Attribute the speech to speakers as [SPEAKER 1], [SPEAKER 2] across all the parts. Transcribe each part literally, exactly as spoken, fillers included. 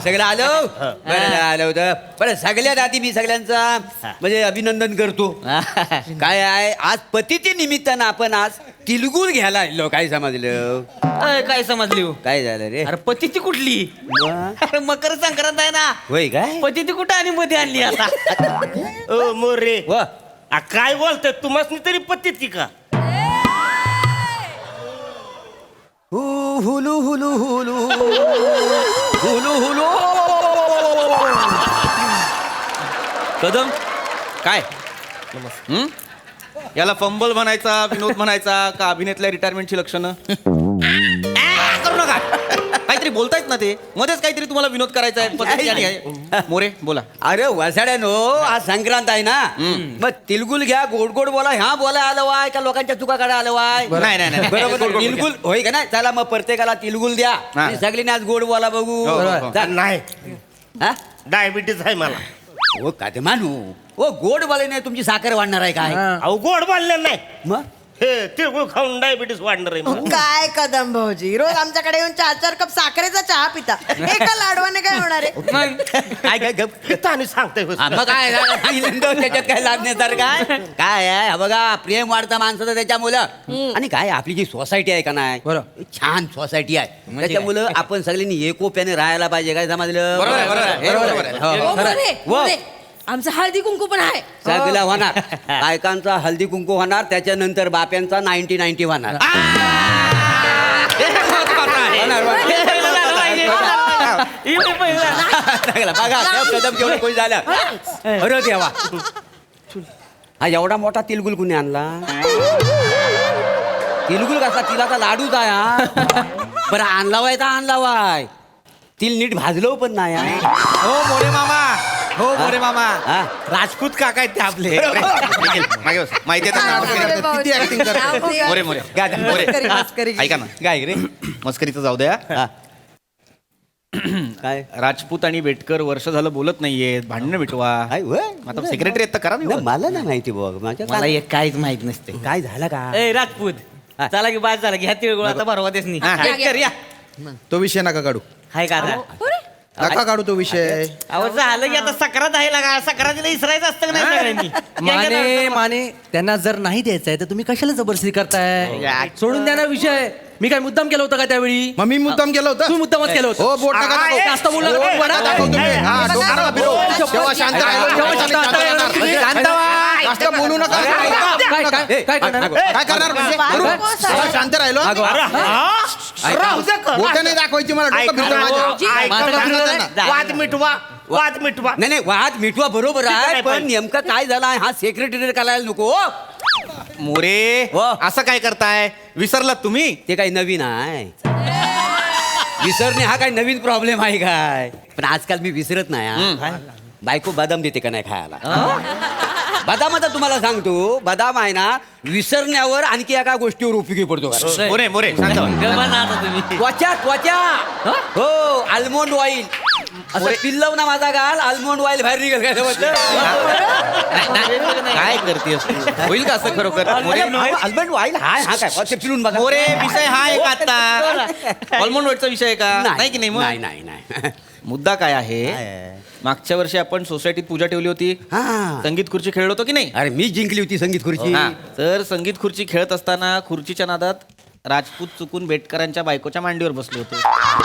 [SPEAKER 1] सगळं आलो बरं आलं होतं. बरं सगळ्यात आधी मी सगळ्यांचा म्हणजे अभिनंदन करतो. काय आहे आज पतीच्या निमित्तानं आपण आज तिलगुल घ्यायला आलो. काय समजलं?
[SPEAKER 2] अय, काय समजली हो?
[SPEAKER 1] काय झालं रे?
[SPEAKER 2] अरे पती ती कुठली? अरे मकर संक्रांत आहे ना.
[SPEAKER 1] होय काय?
[SPEAKER 2] पती ती कुठं आणि मध्ये आणली आता?
[SPEAKER 3] ओ मोरे
[SPEAKER 1] व
[SPEAKER 3] आ, काय बोलतोय तुम्हाला तरी पत्ती ती का?
[SPEAKER 1] हु हुलू हुलू हुलू हुलू हुलू.
[SPEAKER 4] कदम काय हं? याला फंबल म्हणायचा, विनोद म्हणायचा का अभिनेतल्या रिटायरमेंटची लक्षणं? आ, करू नका. काहीतरी बोलतायत ना ते मध्येच काहीतरी तुम्हाला विनोद करायचा आहे पद्धती आणि आहे. मोरे बोला.
[SPEAKER 1] अरे वसाड्यानो आज संक्रांत आहे ना मग तिलगुल घ्या गोड गोड बोला ह्या बोला आलं वाय का लोकांच्या चुका काढा आलं वाय.
[SPEAKER 4] नाही नाही नाही
[SPEAKER 1] बरोबर
[SPEAKER 4] गोड- गोड-
[SPEAKER 1] तिलगुल होय का नाही. चला मग प्रत्येकाला तिलगुल द्या
[SPEAKER 4] हा.
[SPEAKER 1] आणि सगळ्यांनी आज गोड बोला बघू.
[SPEAKER 4] हो, हो, हो.
[SPEAKER 1] जा.
[SPEAKER 3] नाही
[SPEAKER 1] हा?
[SPEAKER 3] डायबिटीस आहे मला.
[SPEAKER 1] ओ का ते मानू ओ गोड बोलाने तुमची साखर वाढणार आहे काय?
[SPEAKER 3] अहो गोड बोलले नाही
[SPEAKER 1] मग
[SPEAKER 3] हे तिळगुळ खाऊन डायबिटीस वाढणार आहे मला.
[SPEAKER 5] काय कदम भाऊजी रोज आमच्याकडे येऊन चार चार कप साखरेचा चहा पिता एका लाडवाने काय होणार आहे?
[SPEAKER 1] काय काय गप
[SPEAKER 3] पिता आणि सांगताय होय.
[SPEAKER 1] हा, मग काय झालं? सांगितलं ना, त्याच्यात काय लागण्यासारखं काय काय आहे हा बघा प्रेम वाढतं माणसाचं त्याच्यामुळं. आणि काय आपली जी सोसायटी आहे का नाही छान सोसायटी आहे त्याच्यामुळं आपण सगळ्यांनी एकोप्याने राहायला पाहिजे. काय समजलं?
[SPEAKER 4] बरोबर आहे, बरोबर आहे. हे बरोबर आहे.
[SPEAKER 1] हो, हो.
[SPEAKER 5] ओ, मोरे,
[SPEAKER 1] व.
[SPEAKER 5] मोरे, आमचं हळदी कुंकू पण आहे.
[SPEAKER 1] सगळं होणार बायकांचा हल्दी कुंकू होणार त्याच्यानंतर बाप्यांचा नाईन्टी नाईन्टी होणार. होणार, होणार. चांगलं. बघा त्या कदम केवढं कोणी झालं. अरे देवा हा एवढा मोठा तिलगुल कुणी आणला? तिलगुल कसा तिलाचा लाडूच आहे हा. बरं आणला वाय तर आणला वाय तिल नीट भाजलो पण नाही हा.
[SPEAKER 4] हो मोरे मामा हो मोरे मामा
[SPEAKER 1] हा.
[SPEAKER 4] राजपूत काका आहेत ते आपले मागे बस. माहिती आहे
[SPEAKER 5] अरे
[SPEAKER 4] त्यांना?
[SPEAKER 5] भाऊजी.
[SPEAKER 4] किती ऍक्टिंग करतात.
[SPEAKER 5] मोरे,
[SPEAKER 4] मोरे मोरे
[SPEAKER 1] गादा, मोरे.
[SPEAKER 5] मस्करी, मस्करी.
[SPEAKER 4] ऐका ना
[SPEAKER 1] काय रे
[SPEAKER 4] मस्करीचं जाऊ द्या.
[SPEAKER 1] हा. काय
[SPEAKER 4] राजपूत आणि बेटकर वर्ष झालं बोलत नाहीयेत. भांडणं मिटवा.
[SPEAKER 1] काय होय?
[SPEAKER 4] आता सेक्रेटरी आहेत तर करा
[SPEAKER 1] नाही,
[SPEAKER 4] ना.
[SPEAKER 1] मला नाही माहिती बघ माझ्या
[SPEAKER 2] मला
[SPEAKER 1] काय
[SPEAKER 2] एक काहीच माहित नसते.
[SPEAKER 1] काय झालं का?
[SPEAKER 2] ए राजपूत
[SPEAKER 1] हा.
[SPEAKER 2] चला की बाद झाला की ह्या तिळगुळाचा भरवा देस नाही.
[SPEAKER 4] हा.
[SPEAKER 2] एक कर या.
[SPEAKER 6] तो विषय नका काढू
[SPEAKER 2] हाय का आता?
[SPEAKER 6] नका काढू तो विषय.
[SPEAKER 2] अहो झालं की आता सक्रात आहे लागा सक्रातीला इसरायचं असतं का नाही सगळ्यांनी?
[SPEAKER 7] माने माने त्यांना जर नाही द्यायचंय तर तुम्ही कशाला जबरदस्ती करताय? सोडून द्या ना विषय. मी काय मुद्दाम केलं होतं का त्यावेळी?
[SPEAKER 6] मग मी मुद्दाम केलं होतं.
[SPEAKER 7] तू मुद्दामच केलं होतं.
[SPEAKER 6] हो बोट नका दाखवू.
[SPEAKER 7] जास्त बोलला तर
[SPEAKER 6] बोट
[SPEAKER 7] बोट
[SPEAKER 6] नका
[SPEAKER 7] नका
[SPEAKER 6] दाखवू तुम्ही. हा, डोकं नका फिरवू. तेव्हा शांत राहिलो.
[SPEAKER 7] तेव्हा
[SPEAKER 6] तेव्हा
[SPEAKER 7] शांत
[SPEAKER 6] शांत राहणार.
[SPEAKER 7] राहिलो.
[SPEAKER 6] शांत व्हा. जास्त बोलू नका.
[SPEAKER 7] काय काय काय करणार?
[SPEAKER 6] काय करणार म्हणजे? करू? तेव्हा शांत राहिलो.
[SPEAKER 3] राहू दे का?
[SPEAKER 6] बोट नाही दाखवायची मला. डोकं फिरतं माझ्या.
[SPEAKER 3] ऐका
[SPEAKER 7] माझं
[SPEAKER 3] ना,
[SPEAKER 7] फिरलं
[SPEAKER 6] नाही.
[SPEAKER 3] वाद मिटवा वाद मिटवा.
[SPEAKER 1] नाही नाही वाद मिटवा बरोबर
[SPEAKER 3] ठीक
[SPEAKER 1] आहे
[SPEAKER 3] आहे,
[SPEAKER 1] पण
[SPEAKER 3] पण-
[SPEAKER 1] नेमकं काय झालं आहे हा सेक्रेटरी करायला नको हो.
[SPEAKER 4] मोरे
[SPEAKER 1] हो.
[SPEAKER 4] असं काय करताय? विसरलात तुम्ही?
[SPEAKER 1] ते काही नवीन आहे विसरणे हा काही नवीन प्रॉब्लेम आहे काय? पण आजकाल मी विसरत नाही हा. बायको बदाम देते का नाही खायला? बदामाचा तुम्हाला सांगतो बदाम आहे ना विसरण्यावर आणखी एका गोष्टीवर उपयोगी पडतो का?
[SPEAKER 4] मोरे मोरे सांगा.
[SPEAKER 2] गप्पा ना आता तुम्ही.
[SPEAKER 1] त्वचा त्वचा हो आल्मोंड ऑइल असं पिल्लव ना माझा गाल आल्मोंड ऑइल बाहेर निघेल काय समजलं?
[SPEAKER 4] काय करतेस तू? होईल का असं खरोखर? मोरे
[SPEAKER 1] आल्मोंड ऑइल हा हा काय ते पिलून बघा
[SPEAKER 4] मोरे विषय हा एक आता ऑलमोंड वेटचा विषय आहे का? नाही की नाही मग?
[SPEAKER 1] नाही नाही नाही
[SPEAKER 4] मुद्दा काय आहे?
[SPEAKER 1] काय?
[SPEAKER 4] मागच्या वर्षी आपण सोसायटीत पूजा ठेवली होती.
[SPEAKER 1] हा.
[SPEAKER 4] संगीत खुर्ची खेळलो होतो की नाही?
[SPEAKER 1] अरे मी जिंकली होती संगीत खुर्ची
[SPEAKER 4] हा. तर संगीत खुर्ची खेळत असताना खुर्चीच्या नादात राजपूत चुकून बेटकरांच्या बायकोच्या मांडीवर बसले होते.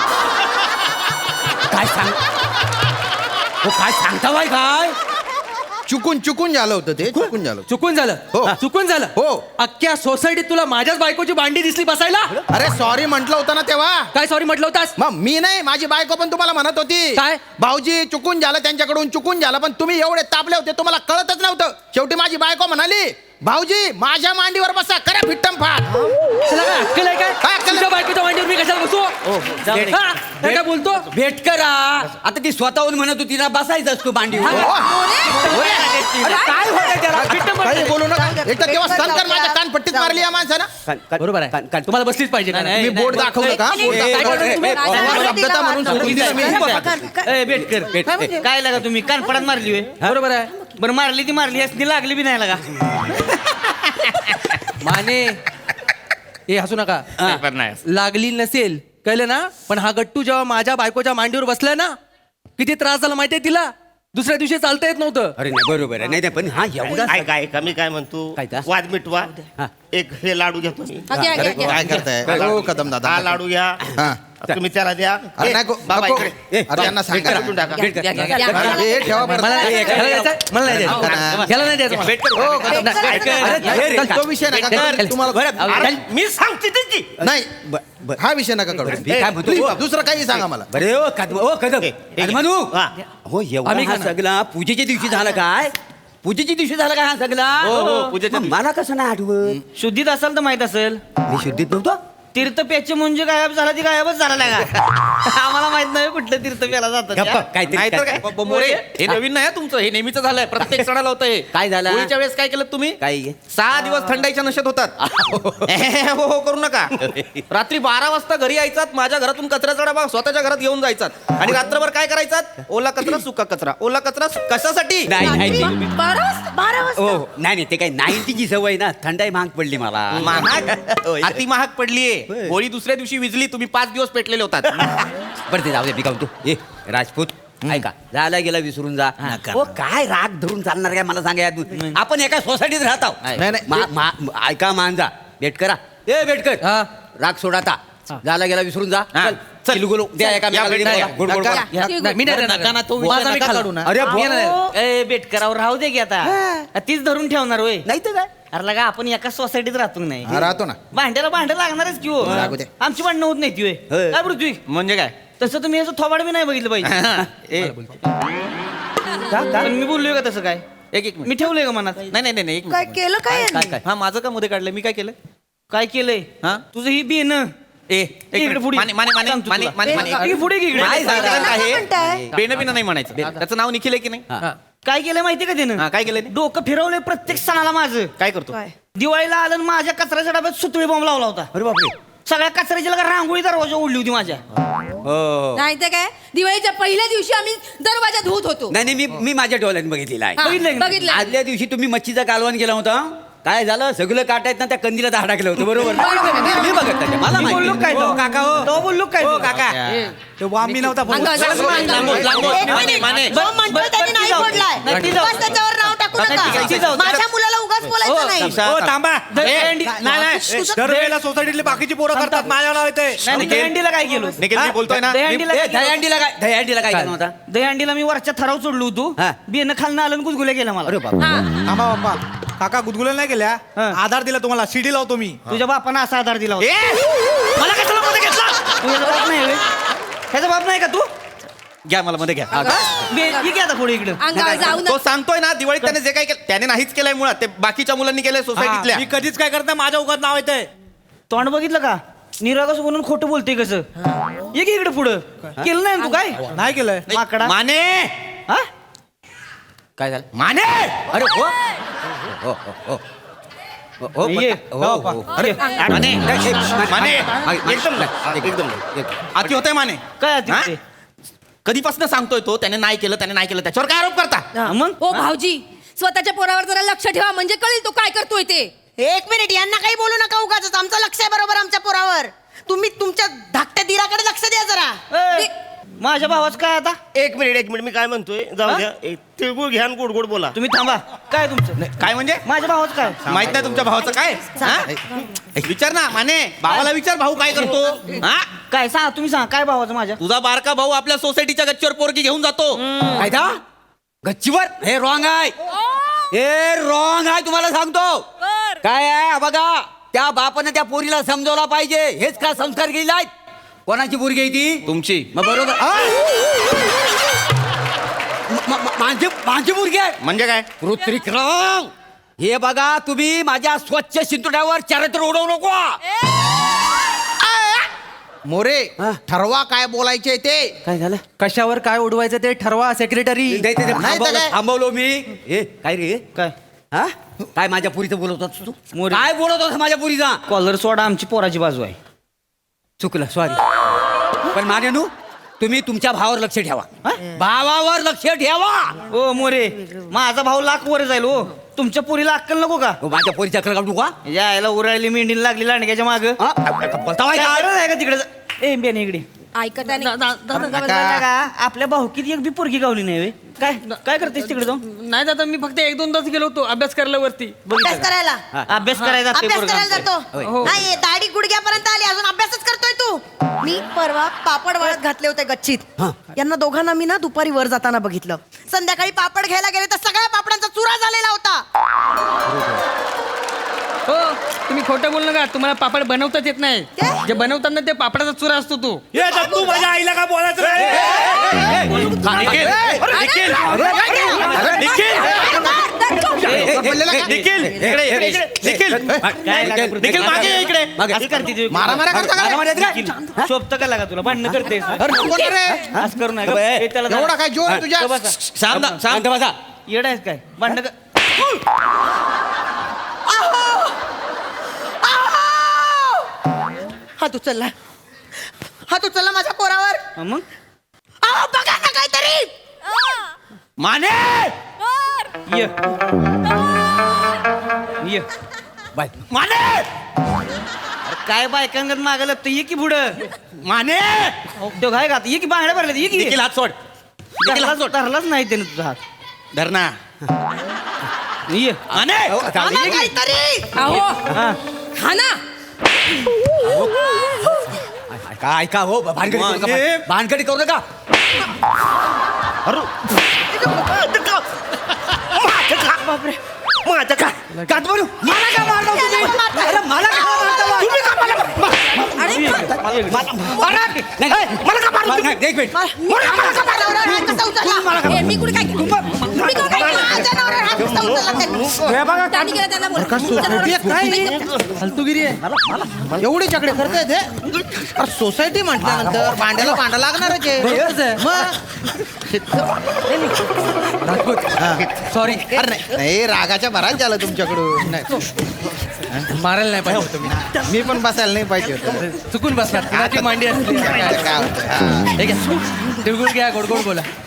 [SPEAKER 1] काय सांग हो काय सांगता बाय काय
[SPEAKER 6] चुकून चुकून झालं होतं ते चुकून झालं.
[SPEAKER 7] चुकून झालं
[SPEAKER 6] हो.
[SPEAKER 7] चुकून झालं
[SPEAKER 6] हो.
[SPEAKER 7] अख्ख्या सोसायटीत तुला माझ्याच बायकोची भांडी दिसली बसायला?
[SPEAKER 6] अरे सॉरी म्हटलं होतं ना तेव्हा.
[SPEAKER 7] काय सॉरी म्हटलं होतास?
[SPEAKER 6] मग मी नाही माझी बायको पण तुम्हाला म्हणत होती
[SPEAKER 7] काय?
[SPEAKER 6] भाऊजी चुकून झालं त्यांच्याकडून चुकून झालं पण तुम्ही एवढे तापले होते तुम्हाला कळतच नव्हतं. शेवटी माझी बायको म्हणाली भाऊजी माझ्या मांडीवर बसा करा फिट्टम फाट.
[SPEAKER 7] तुला काय अक्कल आहे काय?
[SPEAKER 6] काय अक्कल आहे?
[SPEAKER 7] तुझ्या बायकोच्या मांडीवर मी कशाला बसू?
[SPEAKER 2] जाऊ दे.
[SPEAKER 7] हा? काय काय बोलतो?
[SPEAKER 1] भेट करा आता ती स्वतःहून म्हणत होती ना बसायचं असतो मांडी
[SPEAKER 6] काय होतं त्याला? काही बोलू नका. एक तर तेव्हा संकर माझ्या कानपट्टीत मारली या माणसानं.
[SPEAKER 7] बरोबर आहे तुम्हाला बसलीच पाहिजे का?
[SPEAKER 2] नाही,
[SPEAKER 6] मी
[SPEAKER 2] नाही,
[SPEAKER 6] बोट
[SPEAKER 2] नाही,
[SPEAKER 6] दाखवलं का?
[SPEAKER 2] नाही,
[SPEAKER 6] बोट
[SPEAKER 2] नाही,
[SPEAKER 6] दाखवलं.
[SPEAKER 2] नाही,
[SPEAKER 6] तुम्ही
[SPEAKER 2] नाही, नाही,
[SPEAKER 5] नाही,
[SPEAKER 6] शब्दता म्हणून
[SPEAKER 5] नाही,
[SPEAKER 6] सोडून दिलं मी.
[SPEAKER 2] ए बेटकर बेट काय लागा तुम्ही कानपडात मारली होय?
[SPEAKER 7] बरोबर आहे
[SPEAKER 2] बरं मारली ती मारली असती लागली बी नाही लागा.
[SPEAKER 7] माने हे हसू नका. लागली नसेल कळलं ना पण हा गट्टू जेव्हा माझ्या बायकोच्या मांडीवर बसलाय ना किती त्रास झाला माहितीये तिला दुसऱ्या दिवशी चालता येत नव्हतं.
[SPEAKER 1] अरे नाही बरोबर आहे नाही नाही पण हा एवढा
[SPEAKER 3] काय काय का मी काय म्हणतो
[SPEAKER 1] काय का?
[SPEAKER 3] वाद मिटवा
[SPEAKER 1] हा.
[SPEAKER 3] एक हे लाडू घेतो मी
[SPEAKER 5] हा, घ्या, घ्या, घ्या.
[SPEAKER 6] काय करताय हो कदम दादा
[SPEAKER 3] हा लाडू घ्या
[SPEAKER 6] हा.
[SPEAKER 3] तुम्ही त्याला द्या
[SPEAKER 6] अरे
[SPEAKER 3] ए,
[SPEAKER 6] नाही गो-
[SPEAKER 3] बाबा
[SPEAKER 6] नको.
[SPEAKER 3] इकडे.
[SPEAKER 1] ए,
[SPEAKER 6] अरे यांना सांगा
[SPEAKER 3] भेटून टाका.
[SPEAKER 1] भेट कर.
[SPEAKER 5] घ्या, घ्या, घ्या.
[SPEAKER 6] अरे, हे ठेवा बरं.
[SPEAKER 7] मला नाही
[SPEAKER 1] एक-
[SPEAKER 7] ह्याला द्यायचं, मला नाही द्यायचं. ह्याला नाही द्यायचं मला.
[SPEAKER 6] हो, कदम दादा.
[SPEAKER 5] ऐक, ऐक,
[SPEAKER 6] अरे,
[SPEAKER 1] हे रे,
[SPEAKER 6] तो विषय नका करू. तुम्हाला
[SPEAKER 3] अरे, मी सांगते ते की
[SPEAKER 6] नाही
[SPEAKER 1] ब- ब-
[SPEAKER 6] हा विषय नका करू
[SPEAKER 1] मी काय म्हणतो?
[SPEAKER 6] Please, दुसरं काही सांगा मला
[SPEAKER 1] बरे ओ कदम ओ कदम कदमनू
[SPEAKER 3] हा.
[SPEAKER 1] हो एवढा
[SPEAKER 7] आम्ही
[SPEAKER 1] हा
[SPEAKER 7] खाणार.
[SPEAKER 1] सगळा पूजेच्या दिवशी झाला काय पूजेच्या दिवशी झाला काय हा सगळा
[SPEAKER 4] हो, हो, पूजेच्या
[SPEAKER 1] मग मला कसं नाही आठवत
[SPEAKER 2] शुद्धीत असेल तर माहित असेल.
[SPEAKER 1] मी शुद्धीत नव्हतो
[SPEAKER 2] तीर्थ प्याचे म्हणजे गायब झाला ती गायबच झाला नाही का आम्हाला माहित नाही कुठलं तीर्थ प्याला
[SPEAKER 1] गप्पा
[SPEAKER 2] जातं.
[SPEAKER 1] काहीतरी
[SPEAKER 4] नाहीतर काय
[SPEAKER 1] काय-
[SPEAKER 4] ब- मोरे हे नवीन नाही हं तुमचं हे नेहमीच झालंय प्रत्येक सणाला होतं हे
[SPEAKER 1] काय झालं?
[SPEAKER 4] होळीच्या वेळेस काय केलं तुम्ही
[SPEAKER 1] काय
[SPEAKER 4] सहा दिवस थंडाईच्या नशेत होतात हो हो करू नका रात्री बारा वाजता घरी यायचात माझ्या घरातून कचऱ्याचा डबा स्वतःच्या घरात घेऊन जायचात आणि रात्रभर काय करायचात ओला कचरा सुका कचरा ओला कचरा सु- कशासाठी
[SPEAKER 1] नाही नाही ते-
[SPEAKER 5] बारा वाजता बारा वाजता
[SPEAKER 1] हो नाही नाही ते काय नाईन्टीची सवय ना थंडाई महाग पडली मला
[SPEAKER 4] महाग अति महाग पडलीये
[SPEAKER 1] होय.
[SPEAKER 4] होळी दुसऱ्या दिवशी विजली तुम्ही पाच दिवस पेटलेले होतात
[SPEAKER 1] बरं ते जाऊ दे मी काय म्हणतो ए राजपूत ऐका झाला गेला विसरून जा हो काय राग धरून चालणार काय मला सांगा यातून आपण एका सोसायटीत राहत आहोत
[SPEAKER 6] नाही, नाही.
[SPEAKER 1] मा- मा- ऐका मांजा भेट करा ए भेट कर
[SPEAKER 7] हा.
[SPEAKER 1] राग सोडा आता झाला गेला विसरून जा
[SPEAKER 4] हा.
[SPEAKER 1] चल चल गुलू द्या एका
[SPEAKER 4] या,
[SPEAKER 1] मेकाला
[SPEAKER 4] भेट-
[SPEAKER 1] बोला. गोड गोड
[SPEAKER 6] नका.
[SPEAKER 1] बोला.
[SPEAKER 7] ह्या- नाही, मी नाही देणार.
[SPEAKER 6] नका ना, तो विषय
[SPEAKER 7] माझा मी
[SPEAKER 6] नका
[SPEAKER 7] खाल्ला.
[SPEAKER 6] काढू ना.
[SPEAKER 1] अरे
[SPEAKER 7] मी नाही देणार.
[SPEAKER 2] ए बेटकरावर राहू दे की आता तीच धरून ठेवणार होय
[SPEAKER 1] नाही तर काय
[SPEAKER 2] अरे लगा आपण एका सोसायटीत राहतो नाही
[SPEAKER 6] हा, राहतो ना
[SPEAKER 2] भांड्याला भांडं लागणारच की हो
[SPEAKER 6] लागू दे.
[SPEAKER 2] आमची भांडणं होत नाही ती होय
[SPEAKER 1] होय.
[SPEAKER 2] काय पृथ्वी
[SPEAKER 4] म्हणजे काय
[SPEAKER 2] तसं तुम्ही याचं थोबाड बी नाही बघितलं पाहिजे
[SPEAKER 4] ए,
[SPEAKER 2] पण मी बोललोय का तसं काय
[SPEAKER 4] एक एक मिनिट
[SPEAKER 2] मी ठेवलंय का मनात
[SPEAKER 4] नाही नाही नाही नाही, एक
[SPEAKER 5] काय
[SPEAKER 4] मिनिट
[SPEAKER 5] केलं काय
[SPEAKER 1] काय
[SPEAKER 5] यांनी?
[SPEAKER 1] काय
[SPEAKER 4] हा माझं का मध्ये काढलंय मी काय केलं
[SPEAKER 2] काय केलंय
[SPEAKER 4] हा?
[SPEAKER 2] तुझं ही बी न
[SPEAKER 4] ए एक
[SPEAKER 2] इकडे
[SPEAKER 4] मिनिट.
[SPEAKER 2] पुढे.
[SPEAKER 4] माने माने माने
[SPEAKER 2] सांगतो
[SPEAKER 4] माने
[SPEAKER 2] तुला.
[SPEAKER 4] माने माने
[SPEAKER 2] ही पुढे की इकडे.
[SPEAKER 4] काय साधारण
[SPEAKER 5] काय
[SPEAKER 4] आहे
[SPEAKER 5] म्हणताय?
[SPEAKER 4] बेन बिना नाही म्हणायचं त्याचं नाव निखिल आहे की नाही
[SPEAKER 7] हा.
[SPEAKER 2] काय केलं माहितीये का
[SPEAKER 4] हा,
[SPEAKER 2] त्यानं
[SPEAKER 4] काय केलं त्याने?
[SPEAKER 2] डोकं फिरवलंय प्रत्येक सणाला माझं
[SPEAKER 4] काय करतो
[SPEAKER 5] काय?
[SPEAKER 2] दिवाळीला आलं आणि माझ्या कचऱ्याच्या डब्यात सुतळी बॉम्ब लावला होता
[SPEAKER 1] अरे बापरे
[SPEAKER 2] सगळ्या कचऱ्याची लगा रांगोळी दरवाजा उडली होती माझ्या
[SPEAKER 1] हो
[SPEAKER 8] नाही तर काय दिवाळीच्या पहिल्या दिवशी आम्ही दरवाजा धुत होतो
[SPEAKER 1] नाही नाही मी मी माझ्या डोळ्यात बघितलेला आहे
[SPEAKER 8] हा,
[SPEAKER 2] बघितलंय का?
[SPEAKER 8] बघितलंय.
[SPEAKER 1] आदल्या दिवशी तुम्ही मच्छीचा कालवण केला होता काय झालं सगळं काटायत ना त्या कंदीला दहा टाकलं होतं बरोबर मी बघत त्याच्या. मला
[SPEAKER 2] मी बोललो काय
[SPEAKER 1] माहिती
[SPEAKER 2] तो? काका हो तो बोललो काय तो?
[SPEAKER 1] काका
[SPEAKER 8] अंगावर
[SPEAKER 4] लांबून, लांबून.
[SPEAKER 5] एक
[SPEAKER 4] माने,
[SPEAKER 5] मिनिट.
[SPEAKER 4] माने.
[SPEAKER 5] जो म्हणतोय त्यांनी नाही फोडलाय
[SPEAKER 2] नाही, ती जाऊ.
[SPEAKER 5] उगाच त्याच्यावर नाव टाकू
[SPEAKER 2] नाही, ती
[SPEAKER 5] नका
[SPEAKER 2] जाऊ.
[SPEAKER 5] माझ्या मुलाला उगाच बोलायचं नाही
[SPEAKER 4] हो,
[SPEAKER 2] थांबा दहीहंडी
[SPEAKER 5] काय-
[SPEAKER 2] नाही नाही
[SPEAKER 5] तुझं-
[SPEAKER 2] दरवेळेला सोसायटीतली बाकीची पोरं करतात माझ्या नाव येते नाही दहीहंडीला काय केलं
[SPEAKER 4] निखिल मी बोलतोय ना
[SPEAKER 2] दहीहंडीला
[SPEAKER 1] ए,
[SPEAKER 2] काय केलं?
[SPEAKER 1] दहीहंडीला काय दहीहंडीला काय केलं होता
[SPEAKER 2] दहीहंडीला मी वरच्या थराव चढलो होतो
[SPEAKER 1] हा.
[SPEAKER 2] बियाणं खालनं आलं आणि गुदगुल्या केला मला
[SPEAKER 1] अरे बाबा
[SPEAKER 9] थांबा बाप्पा काका गुदगुल्या नाही केल्या
[SPEAKER 2] हा.
[SPEAKER 9] आधार दिला तुम्हाला सीडी लावतो मी
[SPEAKER 2] तुझ्या बापानं असा आधार दिला होता
[SPEAKER 4] ए,
[SPEAKER 2] मला कशाला मध्ये घेतला तुझ्या बाप नाही होय? ह्याचा बाप नाही का तू
[SPEAKER 4] घ्या मला मध्ये घ्या
[SPEAKER 2] बे- ये की आता पुढे इकडं
[SPEAKER 8] अंगावर जाऊ
[SPEAKER 4] तो सांगतोय ना दिवाळीत त्याने जे काय केलं त्याने नाहीच केलंय मुळात ते बाकीच्या मुलांनी केलंय सोसायटीतल्या
[SPEAKER 9] मी कधीच काय करत नाही माझ्या उगाच नाव येतंय
[SPEAKER 2] तोंड बघितलं का निरागस म्हणून खोटं बोलतोय कसं ये की इकडे पुढं केलं नाही ना तू काय
[SPEAKER 9] नाही केलंय
[SPEAKER 2] माकडा
[SPEAKER 4] माने
[SPEAKER 2] हा
[SPEAKER 1] काय झालं
[SPEAKER 4] माने
[SPEAKER 1] अरे हो हो हो हो हो हो
[SPEAKER 2] ये.
[SPEAKER 1] हो, हो, हो.
[SPEAKER 2] अरे
[SPEAKER 4] माने
[SPEAKER 1] नाही, एक-
[SPEAKER 4] माने
[SPEAKER 1] मागे-
[SPEAKER 4] एकदम
[SPEAKER 1] एक-
[SPEAKER 4] एकदम
[SPEAKER 1] एक-
[SPEAKER 4] अति होतंय माने
[SPEAKER 2] काय आहे
[SPEAKER 4] हा?
[SPEAKER 2] ते?
[SPEAKER 4] कधीपासून सांगतोय तो त्याने नाही केलं त्याने नाही केलं त्याच्यावर काय आरोप करता
[SPEAKER 2] हा, मग
[SPEAKER 8] ओ भाऊजी स्वतःच्या पोरावर जरा लक्ष ठेवा म्हणजे कळेल तो काय करतोय ते
[SPEAKER 5] एक मिनिट यांना काही बोलू नका उगाच आमचं लक्ष आहे बरोबर आमच्या पोरावर तुम्ही तुमच्या धाकट्या दिराकडे लक्ष द्या जरा
[SPEAKER 2] ए, माझ्या भावाचं काय आता
[SPEAKER 3] एक मिनिट एक मिनिट मी काय म्हणतोय जाऊ द्या एक तिळगुळ घ्या आणि गोड गोड बोला
[SPEAKER 2] तुम्ही थांबा काय तुमचं
[SPEAKER 4] काय म्हणजे
[SPEAKER 2] माझ्या भावाचं काय
[SPEAKER 4] माहित नाही तुमच्या भावाचं काय हा? विचार ना माने भावाला विचार भाऊ काय करतो हा
[SPEAKER 2] काय सांगा तुम्ही सांगा काय भावाचं माझ्या
[SPEAKER 4] तुझा बारका भाऊ आपल्या सोसायटीच्या गच्चीवर पोरगी घेऊन जातो
[SPEAKER 1] काय दा गच्चीवर हे रॉंग आहे हे रॉंग आहे तुम्हाला सांगतो काय आहे हा बघा त्या बापानं त्या पोरीला समजवला पाहिजे हेच का संस्कार केले आहेत कोणाची पोरगी आहे ती
[SPEAKER 4] तुमची
[SPEAKER 1] मग बरोबर आ? म- म- माझी माझी मुलगी आहे
[SPEAKER 4] म्हणजे काय
[SPEAKER 1] ऋत्विक्रम हे बघा तुम्ही माझ्या स्वच्छ शिंतोड्यावर चरित्र उडवू नको
[SPEAKER 6] मोरे
[SPEAKER 1] हा.
[SPEAKER 6] ठरवा काय बोलायचे ते
[SPEAKER 1] काय झालं
[SPEAKER 7] कशावर काय उडवायचं ते ठरवा सेक्रेटरी
[SPEAKER 1] नाही, ते- ते
[SPEAKER 6] नाही तर
[SPEAKER 1] थांबवलं
[SPEAKER 6] काय?
[SPEAKER 1] थांबवलो मी ए काय रे
[SPEAKER 2] काय
[SPEAKER 1] हा काय माझ्या पुरीचं बोलत होतास तू
[SPEAKER 2] मोरे.
[SPEAKER 1] काय बोलत होतास माझ्या पुरीचा
[SPEAKER 2] कॉलर सोडा आमची पोराची बाजू आहे
[SPEAKER 1] चुकलं सॉरी पण मानेनू तुम्ही तुमच्या भावावर लक्ष ठेवा भावावर लक्ष ठेवा
[SPEAKER 2] ओ मोरे माझा भाऊ लाख वर जाईल हो तुमच्या पुरीला अक्कल नको का
[SPEAKER 1] हो, माझ्या पोरीच्या अक्कल काढू का
[SPEAKER 2] यायला उरायली मेंढीला लागली लांडग्याच्या माग
[SPEAKER 1] हा? बोलता बाई काय?
[SPEAKER 2] आहे का तिकडे ए बेने इकडे
[SPEAKER 8] ऐकत आहे नाही.
[SPEAKER 2] का आपल्या भाऊकीत एक बी पोरगी गावली नाही वे. काय काय करतेस तिकडे जाऊन
[SPEAKER 7] नाही दादा मी फक्त एक दोन तास गेलो होतो अभ्यास करायला वरती
[SPEAKER 5] अभ्यास करायला
[SPEAKER 2] अभ्यास करायचा ते
[SPEAKER 5] अभ्यास
[SPEAKER 2] पोरगं
[SPEAKER 5] करायला
[SPEAKER 2] आमचं.
[SPEAKER 5] जातो नाही दाढी गुडघ्यापर्यंत आली अजून अभ्यासच करतोय तू मी परवा पापड वाळत घातले होते गच्चीत यांना दोघांना मी ना दुपारी वर जाताना बघितलं संध्याकाळी पापड घ्यायला गेले तर सगळ्या पापडांचा चुरा झालेला होता.
[SPEAKER 7] हो तुम्ही खोटं बोल नका तुम्हाला पापड बनवताच येत नाही
[SPEAKER 5] काय?
[SPEAKER 7] जे बनवतात ना ते पापडाचा चुरा असतो तो
[SPEAKER 9] हे तू माझ्या आईला काय बोलायचं रे?
[SPEAKER 4] निखिल निखिल निखिल इकडे इकडे निखिल निखिल मागे ये इकडे
[SPEAKER 2] असं करते ती.
[SPEAKER 6] मारा मारा करता का रे?
[SPEAKER 2] मारा मारा शोभतं का लागा तुला भांडणं करते
[SPEAKER 6] अरे नको ना रे.
[SPEAKER 2] असं करू नका ए, त्याला
[SPEAKER 6] एवढा काय जोर आहे तुझ्या
[SPEAKER 4] शांत शांत
[SPEAKER 1] शांत बसा.
[SPEAKER 2] येडा आहेस काय भांडणं कर
[SPEAKER 5] हात उचलला हात उचलला माझ्या पोरावर
[SPEAKER 2] हा, मग
[SPEAKER 5] अहो, बघा ना काहीतरी
[SPEAKER 4] माने
[SPEAKER 2] ये ये
[SPEAKER 1] बाय
[SPEAKER 4] माने
[SPEAKER 2] अरे काय बायकांगत मागं लागतं ये की पुढं
[SPEAKER 4] माने
[SPEAKER 2] तो काय का ये की बांगड्या भरल्या ये की
[SPEAKER 4] निखिल हात सोड निखिल हात सोड
[SPEAKER 2] धरलाच नाही त्याने तुझा हात
[SPEAKER 4] धरणा
[SPEAKER 2] ये
[SPEAKER 4] माने
[SPEAKER 5] आम्हा काहीतरी
[SPEAKER 8] अहो
[SPEAKER 2] हा
[SPEAKER 8] हा ना
[SPEAKER 1] काय का हो भानगडी करू नका.
[SPEAKER 4] माने.
[SPEAKER 1] भानगडी करू नका.
[SPEAKER 2] बापरे
[SPEAKER 3] माझं का
[SPEAKER 1] का तुम्ही मला का मारलं तुम्ही? अरे मला का मारता? तुम्ही का मला
[SPEAKER 8] अरे
[SPEAKER 1] मारा. नाही, नाही, मला का मारलं तुम्ही? एक मिनिट.
[SPEAKER 5] मला मला का मारलं? हात कसा उचलला?
[SPEAKER 8] ए, मी कुठे काय केलं? तुम्ही काय केलं?
[SPEAKER 5] माझ्या नवऱ्यावर हात कसा उचलला त्यांनी?
[SPEAKER 8] त्यांनी केलं त्यांना बोला. तुमच्या नवऱ्यावर-
[SPEAKER 7] फालतूगिरी आहे
[SPEAKER 6] एवढी चकडे करताय ते अरे सोसायटी म्हटल्यानंतर भांड्याला भांडा लागणारच आहे
[SPEAKER 7] बरोबरच आहे.
[SPEAKER 6] मग
[SPEAKER 7] सॉरी
[SPEAKER 6] अरे नाही, नाही रागाच्या भरात झालं तुमच्याकडून नाही.
[SPEAKER 7] मारायला नाही पाहिजे होतं मी
[SPEAKER 6] मी पण बसायला नाही पाहिजे होतं
[SPEAKER 7] चुकून बसणार कुणाची मांडी असली
[SPEAKER 6] काय होतं? हा.
[SPEAKER 7] ठीक आहे तिळगुळ घ्या गोड गोड बोला